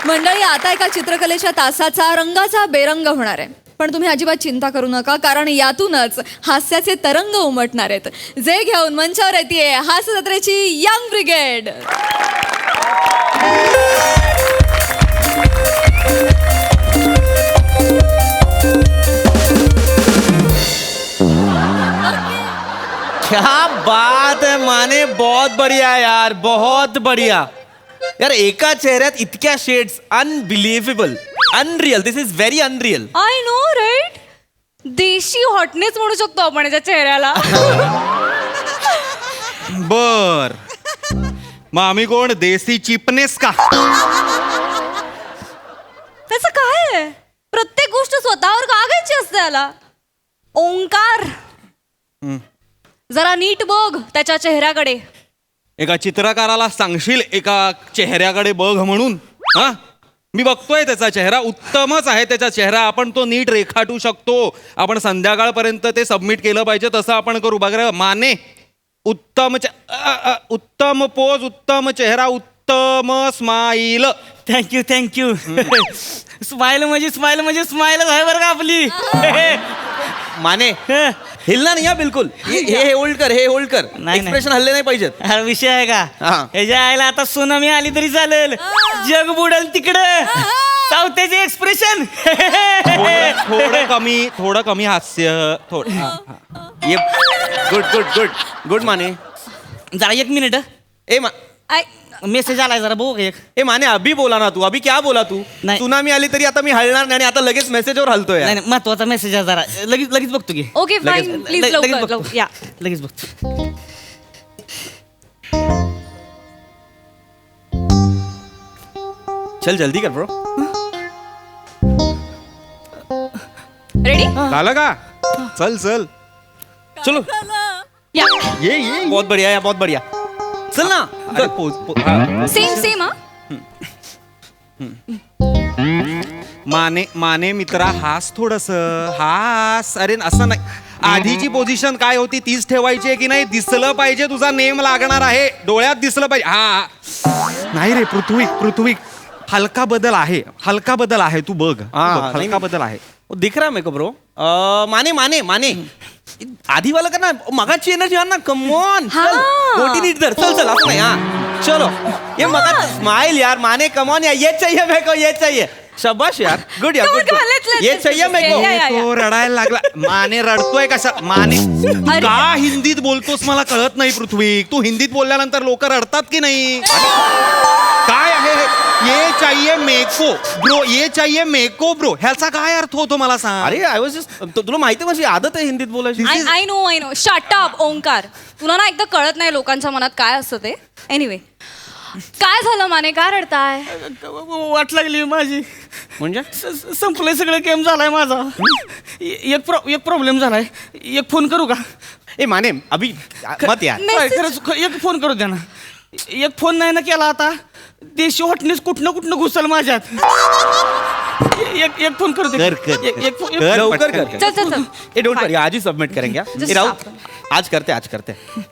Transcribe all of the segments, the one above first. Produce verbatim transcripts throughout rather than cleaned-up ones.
मंडळी, आता एका चित्रकलेच्या तासाचा रंगाचा बेरंग होणार आहे. पण तुम्ही अजिबात चिंता करू नका, कारण यातूनच हास्याचे तरंग उमटणार आहेत. जे घेऊन मंचावर येते हास्य जत्रेची यंग ब्रिगेड. क्या बात है माने, बहुत बढ़िया यार, बहुत बढ़िया यार. एका चेहऱ्यात इतक्या shades, unbelievable, unreal. This is very unreal. I know right. Desi hotness म्हणू शकतो आपण याच्या चेहऱ्याला. बर, मग आम्ही कोण, देसी चिपनेस का? त्याचं काय आहे? प्रत्येक गोष्ट स्वतःवर कागायची असते याला. ओंकार, जरा नीट बघ त्याच्या चेहऱ्याकडे. एका चित्रकाराला सांगशील एका चेहऱ्याकडे बघ म्हणून? हा, मी बघतोय त्याचा चेहरा, उत्तमच आहे त्याचा चेहरा. आपण तो नीट रेखाटू शकतो. आपण संध्याकाळपर्यंत ते सबमिट केलं पाहिजे, तसं आपण करू. बघा माने, उत्तम चे- अ, अ, उत्तम पोज, उत्तम चेहरा, उत्तम स्माईल. Thank you thank you. स्माइल म्हणजे स्माइल म्हणजे स्माइल आहे बरं का आपली. माने हिलना नाही हा बिलकुल. हे हे होल्ड कर, हे होल्ड कर. नाही, नाही. एक्सप्रेशन हल्ले नाही पाहिजेत. हा विषय आहे का? हा. ह्याच्या आईला आता सुनामी आली तरी चालेल, जग बुडेल तिकडं. सावत्याचे एक्सप्रेशन. थोडं थोडं कमी, थोडं कमी हास्य. थोडं हा, हा. ये गुड गुड गुड गुड माने. जरा एक मिनिट. ए मा आय मेसेज आलाय, जरा बघू एक. ए माने, अभी बोला ना तू. अभी क्या बोला तू? नाही. सुनामी आली तरी आता मी हलणार नाही आणि आता लगेच मेसेजवर हलतोय यार. नाही नाही, महत्वाचा मेसेज आहे जरा. लगेच लगेच बघतो की. ओके फाईन, प्लीज लगेच लवकर बघतो. लवकर या. लगेच बघतो. चल जल्दी कर ब्रो. रेडी? झालं का? चल चल चलो या. ये ये बहुत बढ़िया यार, बहुत बढ़िया. चल ना. अरे पोज, पोज, हा. सेम सेम हा. माने माने मित्रा, हास थोडस, हास. अरे असं नाही. आधीची पोझिशन काय होती तीच ठेवायची आहे की नाही? दिसलं पाहिजे, तुझा नेम लागणार आहे, डोळ्यात दिसलं पाहिजे. हा नाही रे पृथ्वी, पृथ्वी हलका बदल आहे, हलका बदल आहे. तू बघ, तू हा, बघ, नाही, हलका बदल आहे. वो दिख रहा है मेरे को ब्रो. अ, माने माने माने आधी वाला करना, मगाची एनर्जी आण ना. Come on. हाँ. बोटी नीट धर. चल चल असं नाही. हा चलो. ये मगा स्माइल यार माने. कम ऑन यार, ये चाहिए मेरे को, ये चाहिए. शाबाश यार, गुड यार, Come on, good come on, let's- let's- ये let's- चाहिए मेरे को. या, या, या. तो रडायला लागला. माने रडतोय कशा? माने तू अरे. का हिंदीत बोलतोस मला कळत नाही पृथ्वी. तू हिंदीत बोलल्यानंतर लोक रडतात की नाही? काय आहे हे? ये चाहिए मेको ब्रो, ये चाहिए मेको ब्रो, ह्याचा काय अर्थ होतो मला सांग. अरे आय वॉज जस्ट, तुला माहिती आहे माझी आदत आहे हिंदीत बोलायची. I I know I know. Shut up Omkar. तुला ना एकदा कळत नाही लोकांच्या मनात काय असतं ते. एनिवे, काय झालं माने, काय रडताय? वाट लागली माझी. म्हणजे स- स- संपलंय सगळं, गेम झालाय माझा. ए- एक प्रॉ- एक प्रॉब्लेम झालाय. एक फोन करू का? ए माने अभी मत यार. काय, खरंच ख- एक फोन करू द्या ना. एक फोन नाही ना केला आता, देशी हॉटनेस कुठनं कुठनं घुसल माझ्यात. ए- एक एक फोन करू दे. कर, कर, एक- एक फोन- एक- कर, लवकर पटकन. कर. चल चल चल. ए डोंट वरी, आज ही सबमिट करेंगे. हाँ? Just ए राहुल, stop. आज करते आज करते.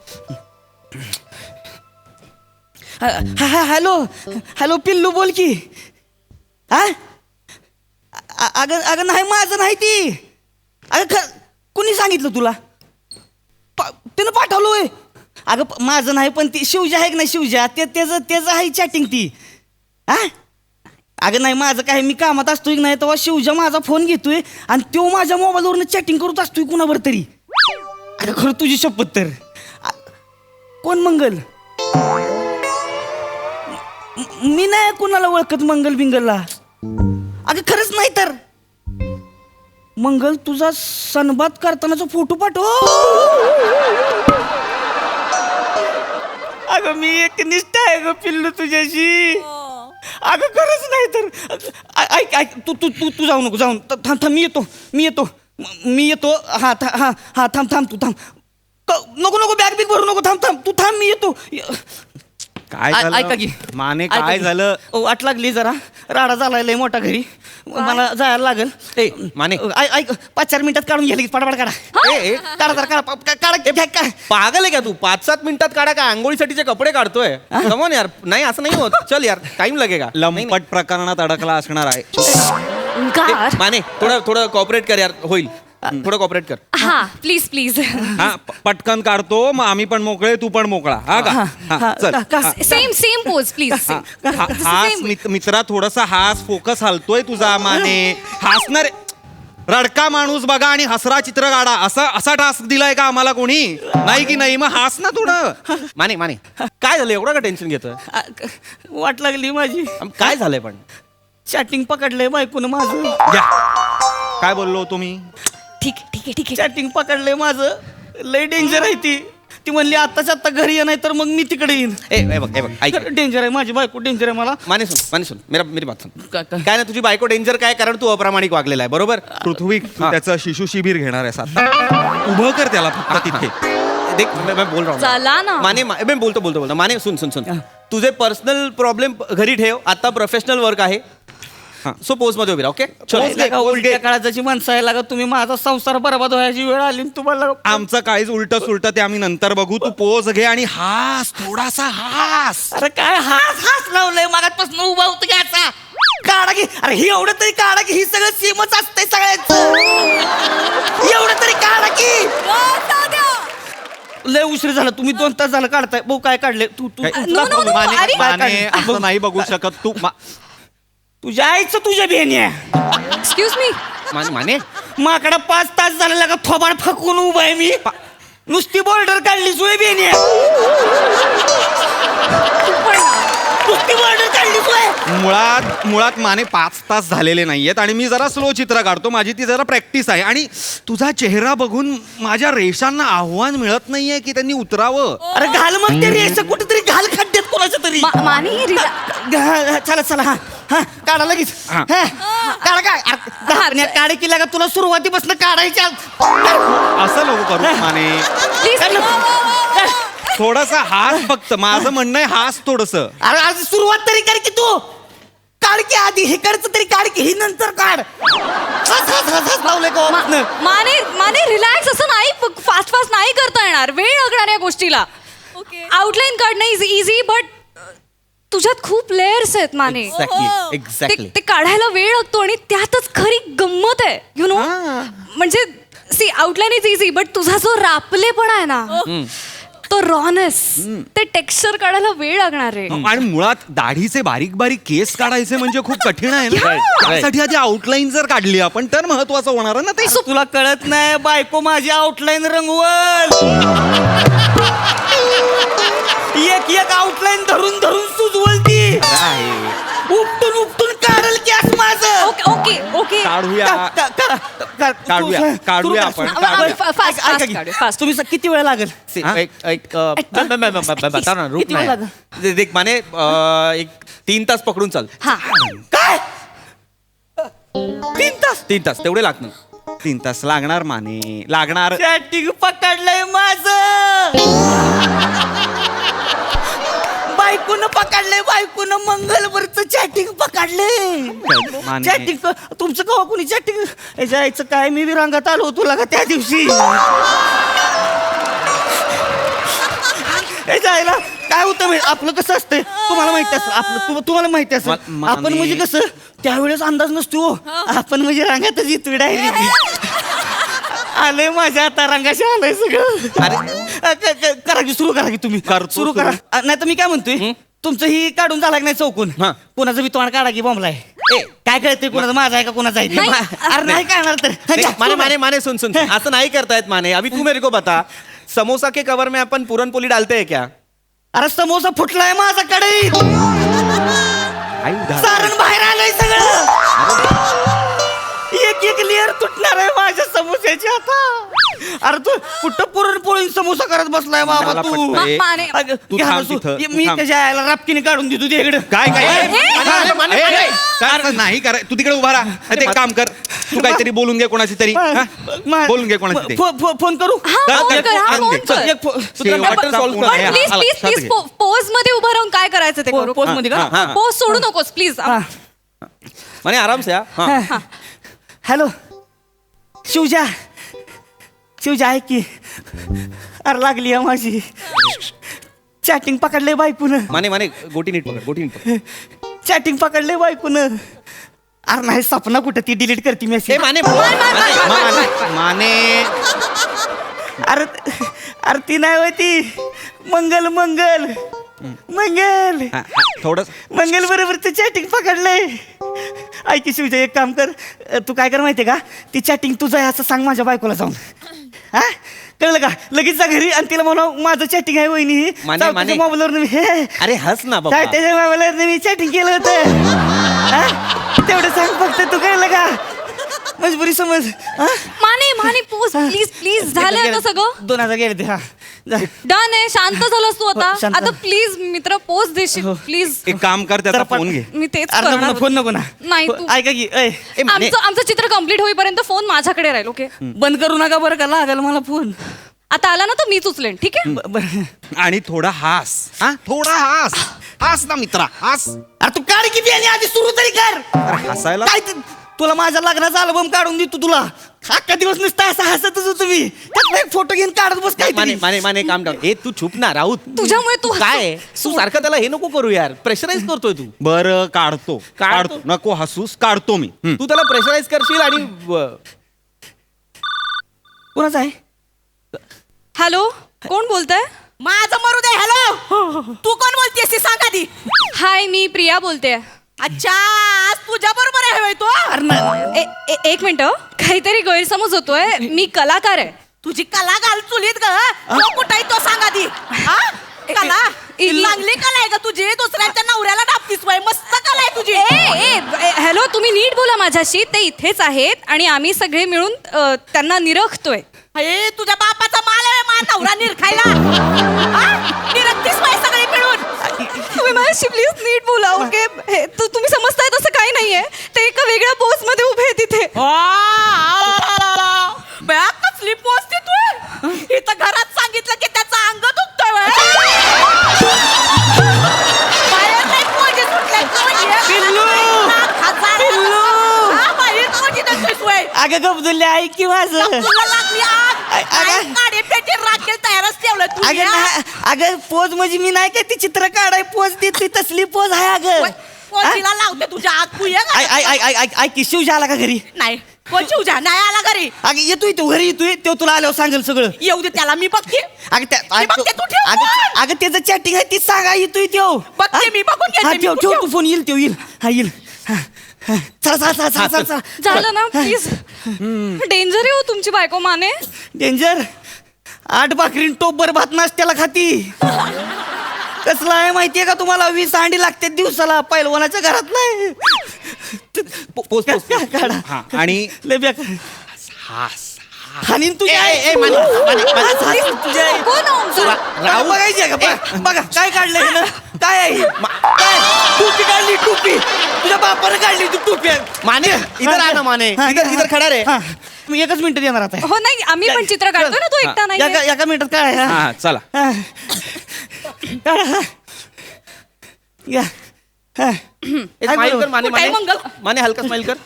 हा- हा- हॅलो हॅलो पिल्लू बोल की. हा अ- अगं अगं नाही, माझं नाही ती. अगं ख कुणी सांगितलं तुला? पा- त्यानं पाठवलोय. अगं प- माझं नाही, पण ती शिवजा आहे की नाही, शिवजा ते त्याचं त्याचं आहे चॅटिंग ती. हा अगं नाही, माझं काय, मी कामात असतोय की नाही तेव्हा शिवजा माझा फोन घेतोय आणि तो माझ्या मोबाईलवरनं चॅटिंग करत असतोय कुणावर तरी. अगं खरं तुझी शपथ तर. आ- कोण मंगल? म- मी नाही कुणाला ओळखत मंगल बिंगलला. अगं खरंच नाही तर. मंगल, तुझा सनबात करतानाचा फोटो पाठव. अगं मी एकनिष्ठ आहे ग पिल्लू तुझ्याशी. अगं खरंच नाही तर. अ- ऐक ऐक तू तू तू तू जाऊ नको, जाऊन थांब थांब, मी येतो मी येतो म- मी येतो. हा था हा हा थांब थांब तू थांब. क- नको नको, बॅग बिग भरू नको, थांब थांब तू थांब, मी येतो. काय आ- झालं? ऐका की. माने ऐका काय की. झालं? ओ, वाट लागली जरा, राडा झालाय लय मोठा घरी. मला जायला लागेल ए, माने. ऐक ऐक पाच चार मिनिटात काढून घ्या लगेच पटापट काढा ए, ए, काढा जरा, काढा पा- का- काढा घ्या, काय पागल आहे का तू पाच सात मिनिटात काढा का आंघोळीसाठीचे कपडे काढतोय कमॉन यार नाही असं नाही होत चल यार टाइम लगेगा नाही, नाही. लंपट प्रकरणात अडकला असणार आहे ओंकार ए, माने थोडं थोडं कॉपरेट कर यार होईल थोडं कॉपरेट कर हा प्लीज प्लीज हा प- पटकन काढतो मग आम्ही पण मोकळे तू पण मोकळा हा का हा, हा, हा, चल का- का- हा. सेम सेम पोज प्लीज हा, हा- हास मित- मित्रा थोडासा हास फोकस हलतोय तुझा माने हसणार रडका माणूस बघा आणि हसरा चित्र काढा असा असा टास्क दिलाय का आम्हाला कोणी नाही की नाही मग हास ना थोडं माने माने काय झालं एवढं का टेन्शन घेतोय आ, क- वाट लागली माझी आम- काय झालंय पण चॅटिंग पकडलंय बायकोनं माझं घ्या काय बोललो तुम्ही ठीक आहे ठीक आहे ठीक आहे चॅटिंग पकडलंय माझं लय डेंजर आहे ती ती म्हणली आत्ताच आत्ता घरी ये नाही तर मग मी तिकडे येईन ए ए बघ ए बघ ऐक डेंजर आहे माझी बायको डेंजर आहे मला माने सुन माने सुन मेरा मेरी बात सुन का- का- काय ना तुझी बायको डेंजर काय कारण तू अप्रामाणिक वागलेला आहे बरोबर पृथ्वी तू हा. त्याचं शिशु शिबिर घेणार आहेस आता उभं कर त्याला फक्त तिथे देख मैं मैं बोल रहा हूँ चला ना. माने मा- मैं बोलतो बोलतो बोलतो माने सुन सुन सुन तुझे पर्सनल प्रॉब्लेम घरी ठेव आता प्रोफेशनल वर्क आहे सो पोज मध्ये उभी राहा ओके Pose घे का, उलट्या काळाची माणसं आहे लागा तुम्ही माझा संसार बरबाद व्हायची वेळ आली आणि तुम्हाला आमचं काहीच उलट सुलट ते आम्ही नंतर बघू तू पोज घे आणि हास थोडासा हास अरे काय हास हास लावलंय मागातपासून उभा होतो की असा काढा की अरे ही एवढं तरी काढा की ही सगळं सेमच असतंय सगळ्यांचं एवढं तरी काढा की लय उशीर झाला तुम्ही दोन तास झालं काढताय भाऊ काय काढले तू तू काय- No, no, no, माने अरे- माने असं नाही बघू शकत तू मा- तुझ्या आईचं तुझ्या बेणी एक्सक्यूज मी माने माने माकडा पाच तास झालेला का थोबाड फकून उभा आहे मी नुसती बॉर्डर काढली सोय बेणी नुसती बॉर्डर काढली सोय मुळात मुळात माने पाच तास झालेले नाहीयेत आणि मी जरा स्लो चित्र काढतो माझी ती जरा प्रॅक्टिस आहे आणि तुझा चेहरा बघून माझ्या रेषांना आव्हान मिळत नाहीये की त्यांनी उतरावं अरे घाल मग ते रेस कुठेतरी घाल खड्ड्यात कोणाच्या तरी मा- माने रिला- घा- चला चला हा हा काढा लगेच हा. हा. काढा काय अरे, धारण्या काढे की लागा तुला सुरुवातीपासून काढायच्या असं नको करू माने प्लीज थोडासा हास फक्त माझं म्हणणं आहे हास थोडस अरे आज सुरुवात तरी कर की तू काढ की आधी हे करचं तरी काढ की ही नंतर काढ हस, हस, हस, हस लावलंय का वापरनं? माने माने रिलॅक्स असं नाही फास्ट फास्ट नाही करता येणार वेळ लागणार या गोष्टीला ओके आउटलाईन काढणं इज इझी बट तुझ्यात खूप लेयर्स आहेत माने एक्झॅक्टली ते एक्झॅक्टली ते काढायला वेळ लागतो आणि त्यातच खरी गंमत आहे यु नो म्हणजे see outline is easy but तुझा जो रापलेपणा आहे ना तो रॉनेस ते टेक्स्चर काढायला वेळ लागणार आहे आणि मुळात दाढीचे बारीक बारीक केस काढायचे म्हणजे खूप कठीण आहे ना Right, right. त्यासाठी आधी आउटलाईन जर काढली आपण तर महत्वाचं होणार ना ते अरे तुला कळत नाही बायको माझी आउटलाईन रंगवल एक एक आउटलाईन धरून धरून सुजवल ती उपटून उपटून काढल की असं माझं ओके ओके ओके काढूया का- का- का- का- काढूया, सुरू- काढूया सुरू आपण, कर. काढूया. ऐका- Fast, ऐका- fast ऐका की. काढूया, fast. तुम्ही स- किती वेळ लागेल हा? एक एक अ, ब- ब- ब- ब- ब- बता ना रुक किती वेळ लागेल? नाही देख माने अ, एक तीन तास पकडून चाल हा काय तीन तास तीन तास तेवढे लागणार तीन तास लागणार माने लागणार चॅटिंग पकडलंय माझ बायकोनं पकडलंय बायकोनं मंगलवरच चॅटिंग पकडलंय माने. चॅटिंग तुमचं कवा कुणी चॅटिंग याच्या आईचं काय मी विरांगात आलो तुला का त्या दिवशी याच्या आईला काय होतं माहिती आपलं कसं असतंय तुम्हाला माहिती असतं आपलं तु- तुम्हाला माहिती असतं मा- माने. आपण म्हणजे कसं त्यावेळेस अंदाज नसतो हो. आपण म्हणजे रांगातच येतो डायरेक्ट आलंय माझ्या आता रंगाशी आलंय सगळं अरे करा की सुरू करा की तुम्ही करतो सुरू करा नाही तर मी काय म्हणतोय तुमचं ही काढून झाला की नाही चौकून हा. कोणाचं बी तोंड काढा की बॉम्बलाय ए काय कळतंय कोणाचं माझा आहे का कोणाचा आहे नाही. ते? अरे नाही काढणार तर नहीं, माने माने माने सुन सुन सुन. असं नाही करतायत माने अभी तू मेरे को बता समोसा के कवर में अपन पूरन पोली डालते हैं क्या अरे समोसा फुटलाय माझा कडे आई सारण बाहेर आलंय सगळं एक एक लेअर तुटणार आहे माझ्या समोस्याची आता अरे तू कुठं पुरणपोळी समोसा करत बसलाय बाबा मला तू पटतंय. मा- माने अगं, तू घ्या थांब बसू. तिथं, ये तू मी थांब. त्याच्या आईला रापकीने काढून देतो ते इकडं काय काय ए, माने, माने, ए, माने. ए, काय असं नाही कराय तू तिकडे उभा राहा ते एक काम कर तू काहीतरी बोलून घे कोणाची तरी हा? मा- बोलून घे कोणाची तरी फो- फो- फोन करू हा कर, फोन कर, कर हा कर, फोन कर. कर एक फो- शेवटचा शेवटचा solve फोन कर. आहे. पण प्लीज आला, प्लीज लक्षात प्लीज घे. पोज मध्ये उभं राहून काय करायचं ते पो- करू पोज मध्ये का हा, हा. पोज सोडू नकोस प्लीज हा. माने आराम से हा हा. हॅलो शिवजा शिवजा ऐक की अरे लागली आहे माझी चॅटिंग पकडले बायकून माने माने गोटी नीट पकड गोटी नीट पकड. चॅटिंग पकडले बायकून अरे नाही सपना कुठं ती डिलीट करते ए मेसेज माने माने माने माने अरे अरे ती नाही होय ती मंगल मंगल मंगल हा, हा, थोडं मंगल बरोबर ते चॅटिंग पकडलंय ऐक शिवजा एक काम कर अ, तू काय कर माहितीये का ती चॅटिंग तुझं आहे असं सांग माझ्या बायकोला जाऊन हा कळलं का लगेच जा घरी आणि तिला म्हणा माझं चॅटिंग आहे वहिनी माने, माने. मोबाईलवर मी हे अरे हस ना बाबा. काय त्याच्या मोबाईलवर मी चॅटिंग केलं होतं हा? तेवढं सांग फक्त तू कळलं का मजबुरी समज हा? माने माने पोज प्लीज प्लीज झालंय आता सगळं दोन हजार गेले ते हा जा. डन आहे शांत झालास तू आता हो, शांत आता झालो. प्लीज मित्र पोज देशील प्लीज एक काम कर त्याचा जरा पण- फोन घे. मी तेच अरे नको करणार ना, फोन नको ना नाही, तू- ऐका की ऐ ए माने आमचं आमचं चित्र कम्प्लीट होईपर्यंत फोन माझ्याकडे राहील ओके बंद करू नका बरं का लागल मला फोन आता आला ना तर मीच उचलेन ठीक आहे ब- बरं आणि थोडा हास हा थोडा हास हास ना मित्रा हास. अरे तू काढ किती आणि आधी सुरू तरी कर अरे हसायला काय ते- तुला माझ्या लग्नाचा अल्बम काढून देतो तुला अख्खा दिवस नुसता असं हसतच होतो मी त्यातला एक फोटो घेऊन काढत बस काय माने माने माने काम डाऊन. ए तू चुप ना राऊत. तुझ्यामुळे तू काय आहे? तू सारखं त्याला हे नको करू यार प्रेशराईज करतोय तू बरं काढतो काढतो? काढतो नको हसूस काढतो मी हं. तू त्याला प्रेशराईज करशील आणि व- कोणाचा आहे हॅलो कोण बोलतंय माझं मरू दे हॅलो तू कोण बोलतेस ते सांग आधी हाय मी प्रिया बोलते अच्छा आज तुझ्या बरोबर आहे होय तो अरे ना- ए- ए- एक मिनिट काहीतरी गैरसमज होतोय मी कलाकार आहे तुझी कला घाल चुलीत ग तो कुठे तो सांग आधी हा? कला इ- इ- लागली कला आहे का तुझी दुसऱ्यांच्या नवऱ्याला डापतीस वय मस्त कला आहे तुझी ए ए हॅलो तुम्ही नीट बोला माझ्याशी ते इथेच आहेत आणि आम्ही सगळे मिळून अ, त्यांना निरखतोय हे तुझ्या बापाचा माल आहे मा नवरा निरखायला हा? निरखतीस वय सगळी मिळून तुम्ही माझ्याशी प्लीज नीट बोला ओके हे तू तुम्ही समजताय तसं काही नाहीये ते एका वेगळ्या पोस्ट मध्ये उभे आहेत तिथे बया कसली पोचते तू इथं घरात सांगितलं की त्याचा अंग दुखतोय वय. बाहेर नाही पोजी सुटल्यात ना वय. पिल्लू! हजार- पिल्लू! हा, बाहेर पोजी देतोयस वय. अगं गबदुल्ले ऐक की माझं तुला लागली आग. अ- अगं- काय काडी पेटी राखेल तयारच ठेवलं तू अगं या. ना- अगं पोज म्हणजे मी नाही काय ती चित्र काढाय पोज देते तसली पोज आहे अगं वय, पोजीला लावते तुझ्या आग तू ये ऐ- ऐ- ऐ- ऐ- ऐ- ऐक की शिवजा आला का घरी नाही कोण शिवजा नाही आला घरी अगं येतोय तो घरी येतोय तो तुला आल्यावर सांगेल सगळं येऊ दे त्याला मी बघते अगं त्या मी बघते, तू ठेव अगं फोन. अगं त्याचं चॅटिंग आहे ती सांगा येतोय त्यो बघते हा? मी, बघून घेते हा, मी, ठेव तू ठेव ठेव. तू फोन येईल त्यो येईल हा येईल हा, हा. चला चला चला चला चला चला झालं ना प्लीज डेंजर आहे हो तुमची बायको माने डेंजर आठ भाकरीन टोपर भात नाश्त्याला खाती कसला आहे माहितीये का तुम्हाला वीस अंडी लागते दिवसाला पैलवानाच्या घरात नाही पो- पोच पोच पोच. काढा हा आणि लय बेकार हास हानीन तुझ्या ए, ए, ए, माने, माने, माने. तुझ्या आई. कोण आहे आमचं? रा- राहू बघायची आहे का बघा, बघा काय काढलंय हिनं? काय आहे ही? मा- काय टोपी काढली टोपी तुझ्या बापानं काढली ती टोपी माने इधर आ ना माने हा, इधर हा, इधर खडा रे हा. मी एकच मिनिट येणार आता हो नाही आम्ही पण चित्र काढतो ना तो एकटा नाही एका एका मिनिटात काय आहे, हा? हा चला हा. काढा, हा. या. हा. एक काय स्माइल कर बरोबर? माने कुठे आहे माने मंगल? माने हलका स्माइल कर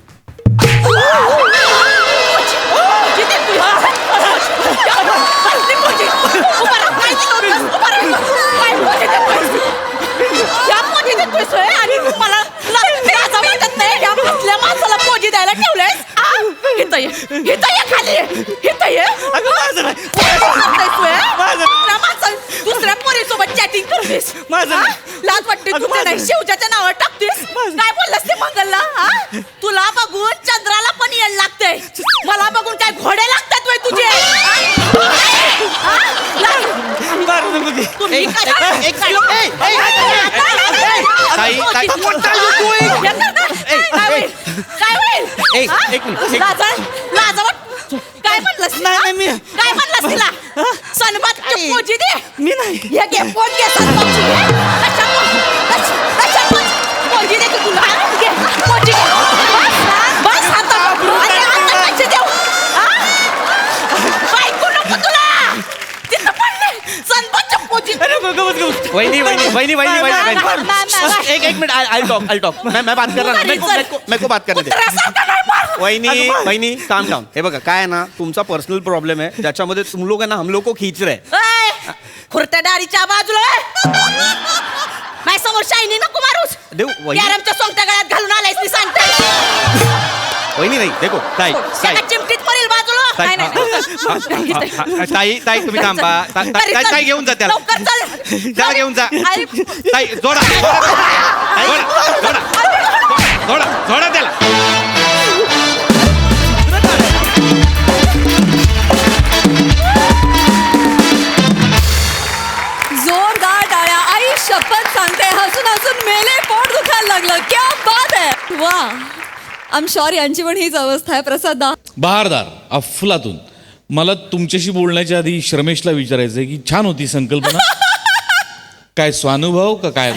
जिथे तू- कसली पोजी? उभा राहा, काय करतोयस? उभा राहा. काय पोजी देतोयस? या पोजी देतोयस होय? आणि तू मला ला- लाजा वाटत नाही? या कसल्या माणसाला पोजी द्यायला ठेवलंयस? आ? इथं ये. इथं ये खाली ये. इथं ये. अगं माझं नाही. काय करतोयस होय? माझं. दुसऱ्या माणसा- दुसऱ्या पोरीसोबत चॅटिंग करतेस माझं. हा? लाज वाटते अगं तुला नाही माझं. शिवजाच्या नावावर टाकतेस काय बोललास ते मंगलला हा? तुला बघून चंद्राला पण येण लागतंय मला बघून काय घोडे लागतात वय तुझे हा? हा? लाज- मारू नको ते. तुम्ही ए, कशा- ए, एक किलो, ए, ए, काय- काय- ताई, ताई, काय- what are you doing? येणार ना? ए, काय ए. होईल? काय होईल? ए, हा? एक मिनिट, एक- लाजा- लाजा वाट- काय म्हणलंस नाही, नाही, मी- काय म्हणलंस तिला सनबात पोजी दे मी नाही ये घे पोट घे सनबातची घे कशा पोट- कशा- कशा पोट- पोजी दे की तुला घे पोजी घे बस, बस आता अरे आता कशी देऊ हा? बायको नको तुला तिथं पडले सनबातच्या पोजी अरे गो- गवत गवत वहिनी वहिनी वहिनी वहिनी नाही, नाही, वहिनी नाही, नाही. एक एक minute I talk I talk मैं मैं बात कर रहा हूं मेरे को मेरे को मेरे को बात करने दे कुत्र्यासारखं नाही मार. वहिनी वहिनी काम डाऊन हे बघा काय आहे ना तुमचा पर्सनल प्रॉब्लेम आहे ज्याच्यामध्ये तुम लोग है ना हम लोग को खींच रहे हैं. ए, खुर्त्या दारीच्या बाजूला ए. माझ्या समोर शायनी नको मारूस. देऊ वहिनी कॅरमच्या सोंगट्या गळ्यात घालून आलायस मी सांगते. वहिनी नाही देखो ताई ताई सगळ्यात चिमटीत पडेल बाजूला. ताई नाही, नाही. हा, हा, हा, ताई ताई तुम्ही थांबा ता- ता- ताई ताई घेऊन जा त्याला लवकर चल. त्याला घेऊन जा आई, ताई जोडा जोडा जोडा जोडा जोडा जोडा त्याला जोरदार टाळ्या. आई शपथ सांगते हसून हसून मेले पोट दुखायला लागलं. क्या बात आहे. वा आय एम शुअर यांची पण हीच अवस्था आहे. प्रसाद दा बहारदार अफलातून. मला तुमच्याशी बोलण्याच्या आधी श्रमेशला विचारायचं आहे की छान होती संकल्पना. काय स्वानुभव का काय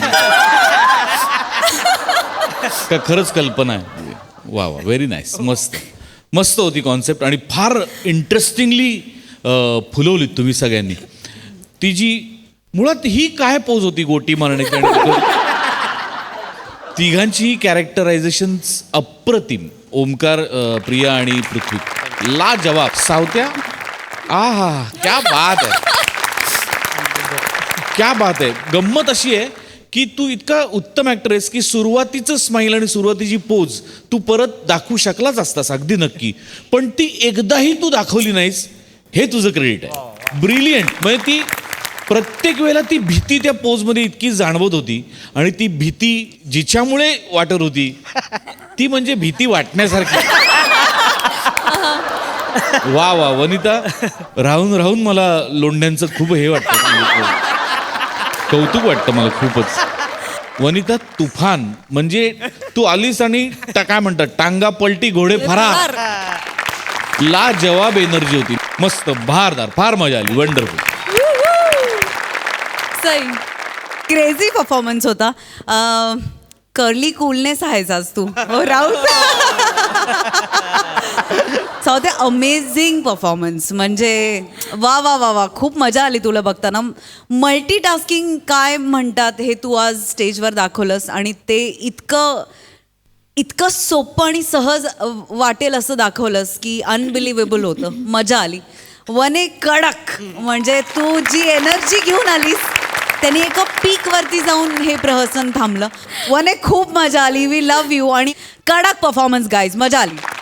का खरंच कल्पना आहे. वा वा व्हेरी नाईस. मस्त मस्त होती कॉन्सेप्ट आणि फार इंटरेस्टिंगली फुलवलीत तुम्ही सगळ्यांनी. ती जी मुळात ही काय पोज होती गोटी मारण्याची आणि तिघांची कॅरेक्टरायझेशन अप्रतिम. ओमकार, अ, प्रिया आणि पृथ्वी ला जवाब. सावत्या आ हा क्या बात आहे क्या बात आहे. गंमत अशी आहे की तू इतका उत्तम ॲक्टर आहेस की सुरुवातीचं स्माईल आणि सुरुवातीची पोज तू परत दाखवू शकलाच असतास अगदी नक्की, पण ती एकदाही तू दाखवली नाहीस. हे तुझं क्रेडिट आहे. ब्रिलियंट. म्हणजे ती प्रत्येक वेळेला ती भीती त्या पोजमध्ये इतकी जाणवत होती आणि ती भीती जिच्यामुळे वाटत होती ती म्हणजे भीती वाटण्यासारखी. वा वा वनिता, राहून राहून मला लोंढ्यांचं खूप हे वाटतं, कौतुक वाटतं मला खूपच. वनिता तुफान. म्हणजे तू आलीस आणि टा- काय म्हणतात टांगा पलटी घोडे फरार. ला जवाब एनर्जी होती. मस्त बहारदार. फार मजा आली. वंडरफुल. सई क्रेझी परफॉर्मन्स होता. कर्ली कूलनेस आहेस आज तू. हो राहुल. Saute amazing performance. म्हणजे वा वा वा वा खूप मजा आली तुला बघताना. मल्टीटास्किंग काय म्हणतात हे तू आज स्टेजवर दाखवलंस आणि ते इतकं इतकं सोपं आणि सहज वाटेल असं दाखवलंस की अनबिलिव्हेबल होतं. मजा आली. वने कडक. म्हणजे तू जी एनर्जी घेऊन आलीस त्यांनी एका पीकवरती जाऊन हे प्रहसन थांबलं. वने खूप मजा आली. वी लव्ह यू आणि कडक परफॉर्मन्स गाईज. मजा आली.